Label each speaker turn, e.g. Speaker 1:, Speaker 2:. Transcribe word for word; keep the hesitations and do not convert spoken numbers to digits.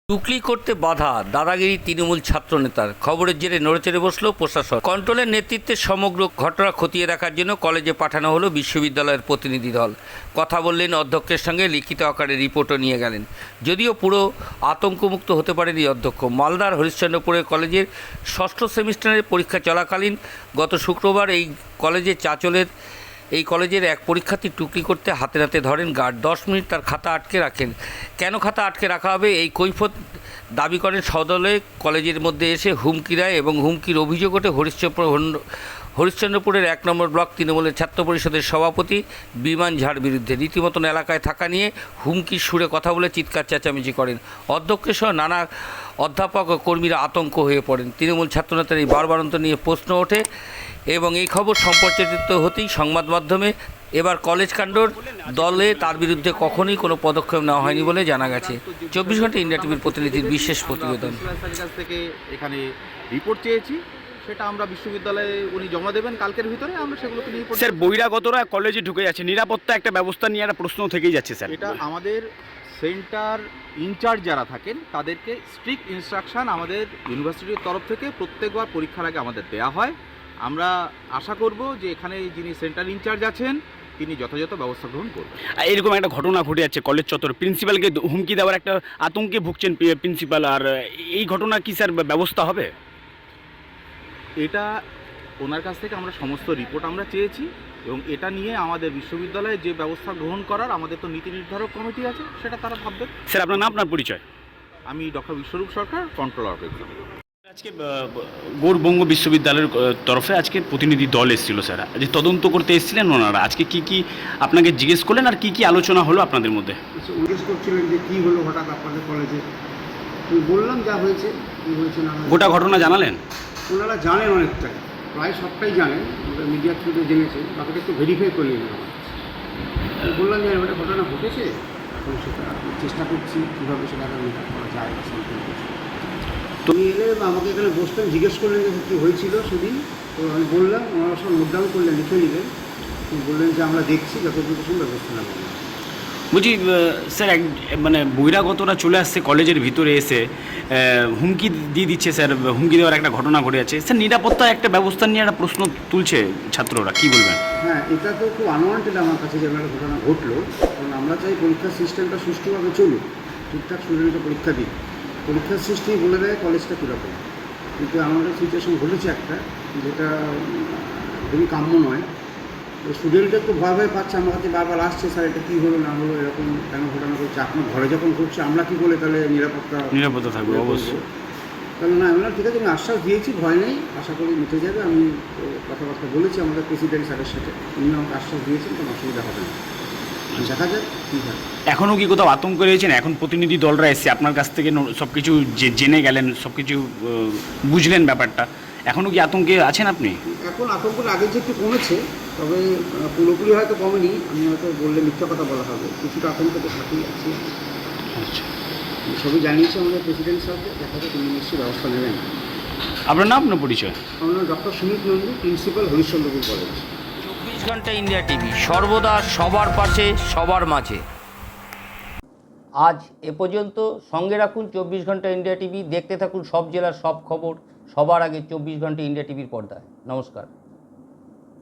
Speaker 1: টুকলি করতে বাধা, দাদাগিরি তৃণমূল ছাত্রনেতার। খবরের জেরে নড়েচড়ে বসল প্রশাসন। কন্ট্রোলের নেতৃত্বে সমগ্র ঘটনা খতিয়ে দেখার জন্য কলেজে পাঠানো হলো বিশ্ববিদ্যালয়ের প্রতিনিধি দল। কথা বললেন অধ্যক্ষের সঙ্গে, লিখিত আকারে রিপোর্টও নিয়ে গেলেন। যদিও পুরো আতঙ্কমুক্ত হতে পারেনি অধ্যক্ষ। মালদার হরিশ্চন্দ্রপুরের কলেজের ষষ্ঠ সেমিস্টারের পরীক্ষা চলাকালীন গত শুক্রবার এই কলেজের চাঁচলের এই কলেজের এক পরীক্ষার্থী টুকলি করতে হাতে নাতে ধরেন গার্ড। দশ মিনিট তার খাতা আটকে রাখেন। কেন খাতা আটকে রাখা হবে এই কৈফিয়ত দাবি করেন সদলে কলেজের মধ্যে এসে হুমকি দেয় এবং হুমকির অভিযোগ ওঠে হরিশ্চন্দ্রপুর হরিশ্চন্দ্রপুরের এক নম্বর ব্লক তৃণমূলের ছাত্র পরিষদের সভাপতি বিমান ঝাড় বিরুদ্ধে। রীতিমতন এলাকায় থাকা নিয়ে হুমকির সুরে কথা বলে চিৎকার চেঁচামেচি করেন। অধ্যক্ষের সহ নানা অধ্যাপক ও কর্মীরা আতঙ্ক হয়ে পড়েন। তৃণমূল ছাত্রনেতার এই বারবারন্ত নিয়ে প্রশ্ন ওঠে এবং এই খবর সম্প্রচারিত হতেই সংবাদ মাধ্যমে এবার কলেজ কাণ্ডর দলে তার বিরুদ্ধে কখনোই কোনো পদক্ষেপ নেওয়া হয়নি বলে জানা গেছে। চব্বিশ ঘন্টা ইন্ডিয়া টিভির প্রতিনিধির বিশেষ প্রতিবেদন।
Speaker 2: কাছ থেকে এখানে রিপোর্ট চেয়েছি, সেটা আমরা বিশ্ববিদ্যালয়ে উনি জমা দেবেন কালকের ভিতরে, আমরা সেগুলোকে নিয়ে
Speaker 3: স্যার বহিরাগতরা কলেজে ঢুকে যাচ্ছে, নিরাপত্তা একটা ব্যবস্থা নিয়ে একটা প্রশ্ন থেকেই যাচ্ছে স্যার।
Speaker 2: এটা আমাদের সেন্টার ইনচার্জ যারা থাকেন তাদেরকে স্ট্রিক্ট ইনস্ট্রাকশান আমাদের ইউনিভার্সিটির তরফ থেকে প্রত্যেকবার পরীক্ষার আগে আমাদের দেওয়া হয়। আমরা আশা করব যে এখানে যিনি সেন্টার ইনচার্জ আছেন তিনি যথাযথ ব্যবস্থা গ্রহণ করবেন।
Speaker 3: এরকম একটা ঘটনা ঘটে যাচ্ছে কলেজ চত্বর, প্রিন্সিপালকে হুমকি দেওয়ার একটা আতঙ্কে ভুগছেন প্রিন্সিপাল, আর এই ঘটনা কি স্যার ব্যবস্থা হবে?
Speaker 2: এটা ওনার কাছ থেকে আমরা সমস্ত রিপোর্ট আমরা চেয়েছি এবং এটা নিয়ে আমাদের বিশ্ববিদ্যালয়ে যে ব্যবস্থা গ্রহণ করার আমাদের তো নীতি নির্ধারক কমিটি আছে, সেটা তারা ভাববেন।
Speaker 3: স্যার আপনার নাম, আপনার পরিচয়?
Speaker 2: আমি doctor Biswarup Sarkar, controller of exam.
Speaker 3: আজকে গৌরবঙ্গ বিশ্ববিদ্যালয়ের তরফে আজকে প্রতিনিধি দল এসেছিল স্যার, আজকে তদন্ত করতে এসেছিলেন ওনারা। আজকে কি কি আপনাকে জিজ্ঞেস করলেন আর কি কি আলোচনা হলো আপনাদের মধ্যে?
Speaker 4: জিজ্ঞেস করছিলেন যে কী হলো হঠাৎ আপনাদের কলেজে। আমি বললাম যা হয়েছে, কী হয়েছে না হয়েছে।
Speaker 3: গোটা ঘটনা জানালেন?
Speaker 4: ওনারা জানেন অনেকটাই, প্রায় সবটাই জানেন, মিডিয়ার থ্রুতে জেনেছেন, বাকিটা একটু ভেরিফাই করে নিন আমার। আমি বললাম যে একটা ঘটনা ঘটেছে, এখন সেটা চেষ্টা করছি কীভাবে সেটা মেকআপ করা যায় বা সম্পূর্ণ। তুমি এলে আমাকে এখানে বসতেন, জিজ্ঞেস করলেন যে কী হয়েছিল সেদিন। তো আমি বললাম, ওনারা সব নোট ডাউন করলেন, লিখে নিলেন। বললেন যে আমরা দেখছি যতটুকু সময় ব্যবস্থা নেব।
Speaker 3: বলছি স্যার, এক মানে বহিরাগতরা চলে আসছে কলেজের ভিতরে এসে হুমকি দিয়ে দিচ্ছে স্যার, হুমকি দেওয়ার একটা ঘটনা ঘটে যাচ্ছে স্যার। নিরাপত্তা একটা ব্যবস্থা নিয়ে একটা প্রশ্ন তুলছে ছাত্ররা, কি বলবেন?
Speaker 4: হ্যাঁ, এটা তো খুব আনওয়ান্টেড আমার কাছে যে একটা ঘটনা ঘটলো। কারণ আমরা চাই পরীক্ষার সিস্টেমটা সুষ্ঠুভাবে চলুক, ঠিকঠাক স্টুডেন্টকে পরীক্ষা দিই। পরীক্ষার সিস্টেম বলে দেয় কলেজটা কীরকম, কিন্তু আমাদের সিচুয়েশন ঘটেছে একটা, যেটা খুবই কাম্য নয়। স্টুডেন্টরা একটু ভয় ভয় পাচ্ছে, আমার কাছে বারবার আসছে, স্যার এটা কী হলো না হলো, এরকম কেন ঘটনা করছে, আপনার ঘরে যখন ঘটছে আমরা কী বলে তাহলে নিরাপত্তা
Speaker 3: নিরাপত্তা থাকবে অবশ্যই।
Speaker 4: তাহলে না, আমি ঠিক আছে, আমি আশ্বাস দিয়েছি, ভয় নেই, আশা করি মিটে যাবে। আমি কথাবার্তা বলেছি আমাদের প্রেসিডেন্ট স্যারের সাথে, উনি আমাকে আশ্বাস দিয়েছেন, কোনো অসুবিধা হবে না। দেখা যাক কী হয়।
Speaker 3: এখনও কি কোথাও আতঙ্ক রয়েছেন? এখন প্রতিনিধি দলরা এসে আপনার কাছ থেকে সব কিছু জেনে গেলেন, সব কিছু বুঝলেন ব্যাপারটা, এখনও কি আতঙ্কে আছেন আপনি?
Speaker 4: এখন আতঙ্কটা আগে যে একটু কমেছে, তবে পুরোপুরি হয়তো কমেনি। আমি হয়তো বললে মিথ্যা কথা বলা হবে, কিছুটা আতঙ্ক তো থাকেই আছে।
Speaker 3: আচ্ছা,
Speaker 4: সবই জানিয়েছি আমাদের প্রেসিডেন্ট সাহেবকে, দেখা যাক তিনি নিশ্চয়ই ব্যবস্থা নেবেন।
Speaker 3: আপনার নাম, আপনার পরিচয়?
Speaker 4: আমার নাম doctor Sumit Nandi, principal Harishchandrapur college.
Speaker 1: চব্বিশ ঘন্টা ইন্ডিয়া টিভি, সর্বদা সবার পাশে, সবার মাঝে। আজ এ পর্যন্ত। সঙ্গে রাখুন চব্বিশ ঘন্টা ইন্ডিয়া টিভি, দেখতে থাকুন সব জেলার সব খবর সবার আগে চব্বিশ ঘন্টা ইন্ডিয়া টিভির পর্দায়। নমস্কার।